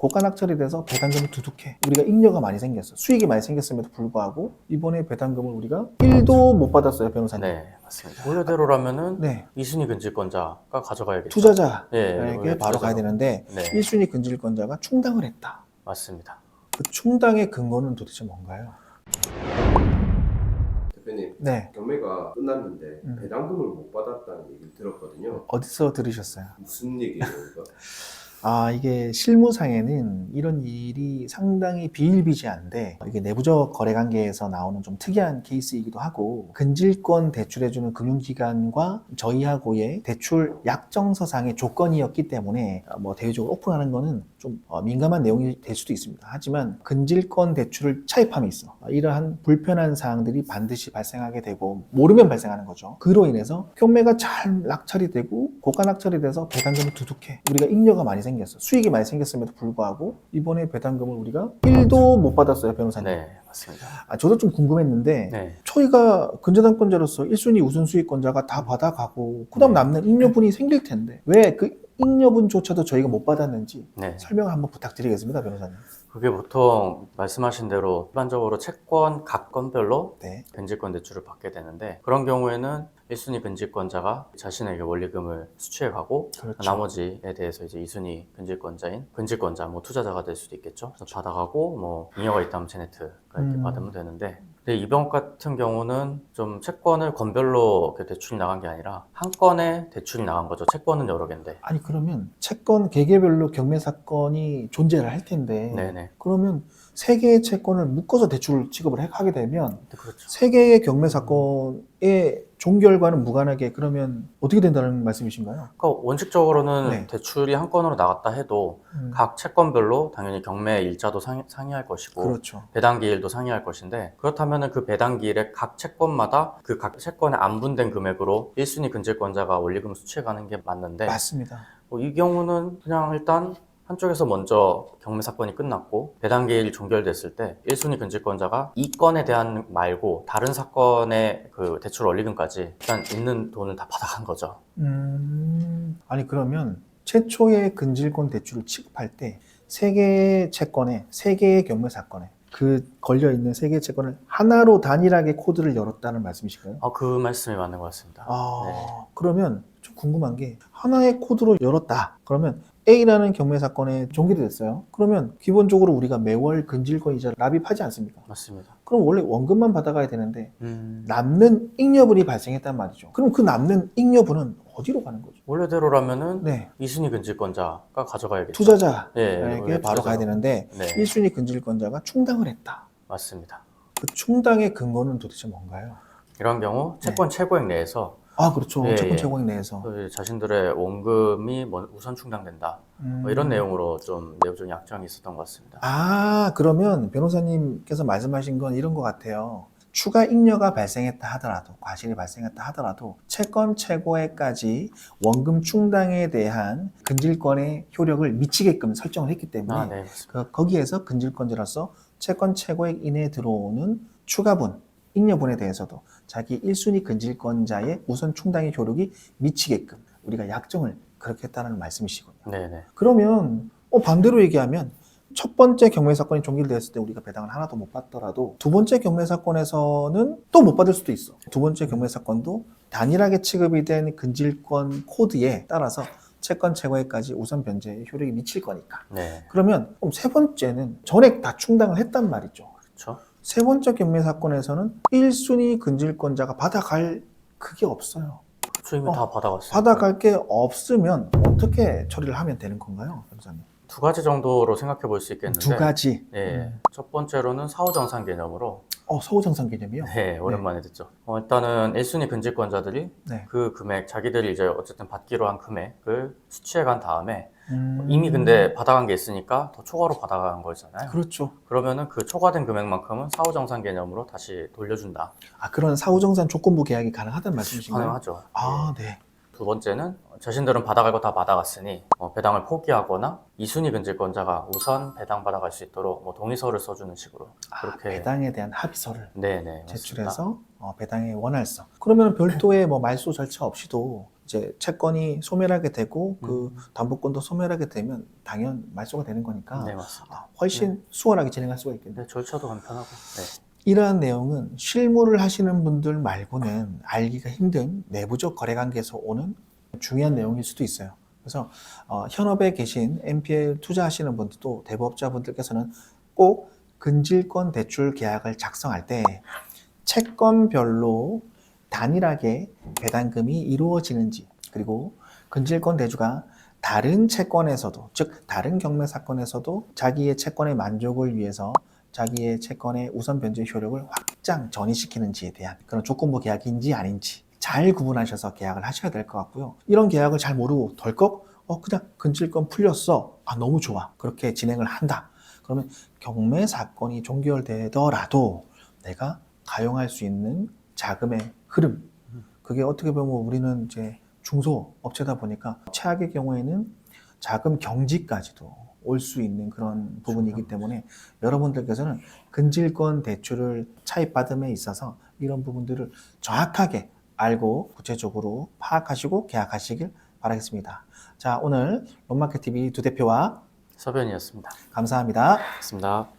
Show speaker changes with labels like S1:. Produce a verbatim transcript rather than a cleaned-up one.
S1: 고가낙 처리돼서 배당금이 두둑해. 우리가 잉여가 많이 생겼어. 수익이 많이 생겼음에도 불구하고 이번에 배당금을 우리가 일도 못 받았어요, 변호사님.
S2: 네, 맞습니다. 원래대로라면은
S1: 네.
S2: 이 순위 근질권자가 가져가야겠죠.
S1: 투자자에게
S2: 네, 원래
S1: 바로 가야
S2: 투자자가.
S1: 되는데
S2: 네,
S1: 일 순위 근질권자가 충당을 했다.
S2: 맞습니다.
S1: 그 충당의 근거는 도대체 뭔가요?
S3: 대표님,
S1: 네.
S3: 경매가 끝났는데
S1: 음.
S3: 배당금을 못 받았다는 얘기를 들었거든요.
S1: 어디서 들으셨어요?
S3: 무슨 얘기예요, 이거?
S1: 아, 이게 실무상에는 이런 일이 상당히 비일비재한데 이게 내부적 거래관계에서 나오는 좀 특이한 케이스이기도 하고 근질권 대출해주는 금융기관과 저희하고의 대출 약정서상의 조건이었기 때문에 뭐 대외적으로 오픈하는 거는 좀 민감한 내용이 될 수도 있습니다. 하지만 근질권 대출을 차입함이 있어. 이러한 불편한 사항들이 반드시 발생하게 되고 모르면 발생하는 거죠. 그로 인해서 경매가 잘 낙찰이 되고 고가 낙찰이 돼서 배당금이 두둑해. 우리가 잉여가 많이 생겼어. 수익이 많이 생겼음에도 불구하고 이번에 배당금을 우리가 일도 못 받았어요, 변호사님.
S2: 네, 맞습니다.
S1: 아, 저도 좀 궁금했는데
S2: 네,
S1: 저희가 근저당권자로서 일 순위 우선수익권자가 다 받아가고 그 다음
S2: 네.
S1: 남는 잉여분이 생길 텐데 왜 그 잉여분조차도 저희가 못 받았는지
S2: 네.
S1: 설명을 한번 부탁드리겠습니다, 변호사님.
S2: 그게 보통 말씀하신 대로 일반적으로 채권 각 건별로
S1: 네.
S2: 근질권 대출을 받게 되는데 그런 경우에는 일 순위 근질권자가 자신에게 원리금을 수취해 가고
S1: 그렇죠.
S2: 나머지에 대해서 이제 이 순위 근질권자인 근질권자 뭐 투자자가 될 수도 있겠죠. 그래서 받아가고 뭐 잉여가 있다면 제네트가 이렇게
S1: 음.
S2: 받으면 되는데 근데 이번 같은 경우는 좀 채권을 건별로 이렇게 대출이 나간 게 아니라 한 건에 대출이 나간 거죠. 채권은 여러 개인데.
S1: 아니 그러면 채권 개개별로 경매 사건이 존재를 할 텐데
S2: 네네.
S1: 그러면 세 개의 채권을 묶어서 대출 취급을 해- 하게 되면
S2: 그렇죠.
S1: 세 개의 경매 사건의 종결과는 무관하게 그러면 어떻게 된다는 말씀이신가요?
S2: 그러니까 원칙적으로는
S1: 네.
S2: 대출이 한 건으로 나갔다 해도
S1: 음,
S2: 각 채권별로 당연히 경매 일자도 상의, 상의할 것이고
S1: 그렇죠.
S2: 배당기일도 상의할 것인데 그렇다면 그 배당기일에 각 채권마다 그 각 채권에 안분된 금액으로 일 순위 근질권자가 원리금 수취해가는 게 맞는데
S1: 맞습니다.
S2: 뭐 이 경우는 그냥 일단 한쪽에서 먼저 경매 사건이 끝났고 배당기일이 종결됐을 때 일 순위 근질권자가 이 건에 대한 말고 다른 사건의 그 대출 원리금까지 일단 있는 돈을 다 받아간 거죠.
S1: 음, 아니 그러면 최초의 근질권 대출을 취급할 때 세 개의 채권에 세 개의 경매 사건에 그 걸려 있는 세 개의 채권을 하나로 단일하게 코드를 열었다는 말씀이실까요?
S2: 아, 그 말씀이 맞는 것 같습니다.
S1: 아,
S2: 네.
S1: 그러면 좀 궁금한 게 하나의 코드로 열었다. 그러면 A라는 경매 사건에 종결이 됐어요. 그러면 기본적으로 우리가 매월 근질권 이자를 납입하지 않습니까?
S2: 맞습니다.
S1: 그럼 원래 원금만 받아가야 되는데
S2: 음,
S1: 남는 잉여분이 발생했단 말이죠. 그럼 그 남는 잉여분은 어디로 가는 거죠?
S2: 원래대로라면은
S1: 네,
S2: 이 순위 근질권자가 가져가야겠죠.
S1: 투자자에게
S2: 예, 원래
S1: 바로 가야
S2: 투자자가.
S1: 되는데
S2: 네,
S1: 일 순위 근질권자가 충당을 했다.
S2: 맞습니다.
S1: 그 충당의 근거는 도대체 뭔가요?
S2: 이런 경우 채권 최고액 내에서
S1: 아, 그렇죠.
S2: 예,
S1: 채권
S2: 예.
S1: 최고액 내에서.
S2: 그 자신들의 원금이 뭐 우선 충당된다.
S1: 음.
S2: 뭐 이런 내용으로 좀 내부적인 약정이 있었던 것 같습니다.
S1: 아, 그러면 변호사님께서 말씀하신 건 이런 것 같아요. 추가 잉여가 발생했다 하더라도, 과실이 발생했다 하더라도 채권 최고액까지 원금 충당에 대한 근질권의 효력을 미치게끔 설정을 했기 때문에
S2: 아, 네, 맞습니다.
S1: 그, 거기에서 근질권자로서 채권 최고액 이내에 들어오는 추가분, 잉여분에 대해서도 자기 일 순위 근질권자의 우선 충당의 효력이 미치게끔 우리가 약정을 그렇게 했다는 말씀이시군요.
S2: 네, 네.
S1: 그러면 어, 반대로 얘기하면 첫 번째 경매 사건이 종결되었을 때 우리가 배당을 하나도 못 받더라도 두 번째 경매 사건에서는 또 못 받을 수도 있어. 두 번째 경매 사건도 단일하게 취급이 된 근질권 코드에 따라서 채권 최고액까지 우선 변제의 효력이 미칠 거니까.
S2: 네,
S1: 그러면 그럼 세 번째는 전액 다 충당을 했단 말이죠.
S2: 그렇죠.
S1: 세 번째 경매 사건에서는 일 순위 근질권자가 받아갈 그게 없어요.
S2: 그렇죠. 이미
S1: 어,
S2: 다 받아갔어요.
S1: 받아갈 게 없으면 어떻게 처리를 하면 되는 건가요, 변호사님?
S2: 두 가지 정도로 생각해 볼 수 있겠는데
S1: 두 가지.
S2: 예,
S1: 음.
S2: 첫 번째로는 사후정산 개념으로
S1: 어, 서우정산 개념이요?
S2: 네, 오랜만에 듣죠. 어, 일단은 일 순위 근질권자들이
S1: 네.
S2: 그 금액, 자기들이 이제 어쨌든 받기로 한 금액을 수취해 간 다음에
S1: 음...
S2: 이미 근데 받아간 게 있으니까 더 초과로 받아간 거잖아요.
S1: 그렇죠.
S2: 그러면은 그 초과된 금액만큼은 사후정산 개념으로 다시 돌려준다.
S1: 아, 그런 사후정산 조건부 계약이 가능하다는 말씀이신가요?
S2: 가능하죠.
S1: 아,
S2: 예.
S1: 네.
S2: 두 번째는 자신들은 받아갈 거 다 받아갔으니 어, 배당을 포기하거나 이 순위 근질권자가 우선 배당 받아갈 수 있도록 뭐 동의서를 써주는 식으로
S1: 아,
S2: 그렇게
S1: 배당에 대한 합의서를
S2: 네네
S1: 제출해서 어, 배당의 원활성. 그러면 별도의 뭐 말소 절차 없이도 이제 채권이 소멸하게 되고 그
S2: 음.
S1: 담보권도 소멸하게 되면 당연 말소가 되는 거니까
S2: 네, 맞습니다.
S1: 아, 훨씬 수월하게 진행할 수가 있겠네요.
S2: 네, 절차도 간편하고. 네.
S1: 이러한 내용은 실무를 하시는 분들 말고는 알기가 힘든 내부적 거래관계에서 오는 중요한 내용일 수도 있어요. 그래서 어, 현업에 계신 엠피엘 투자하시는 분들도 대부업자분들께서는 꼭 근질권 대출 계약을 작성할 때 채권별로 단일하게 배당금이 이루어지는지, 그리고 근질권 대주가 다른 채권에서도, 즉 다른 경매 사건에서도 자기의 채권의 만족을 위해서 자기의 채권의 우선 변제 효력을 확장 전이시키는지에 대한 그런 조건부 계약인지 아닌지 잘 구분하셔서 계약을 하셔야 될 것 같고요. 이런 계약을 잘 모르고 덜컥 어 그냥 근질권 풀렸어, 아 너무 좋아, 그렇게 진행을 한다. 그러면 경매 사건이 종결되더라도 내가 가용할 수 있는 자금의 흐름, 그게 어떻게 보면 우리는 이제 중소업체다 보니까 최악의 경우에는 자금 경지까지도 올 수 있는 그런 부분이기 때문에 여러분들께서는 근질권 대출을 차입받음에 있어서 이런 부분들을 정확하게 알고 구체적으로 파악하시고 계약하시길 바라겠습니다. 자, 오늘 롯마켓티비 두 대표와
S2: 서변이었습니다.
S1: 감사합니다.
S2: 고맙습니다.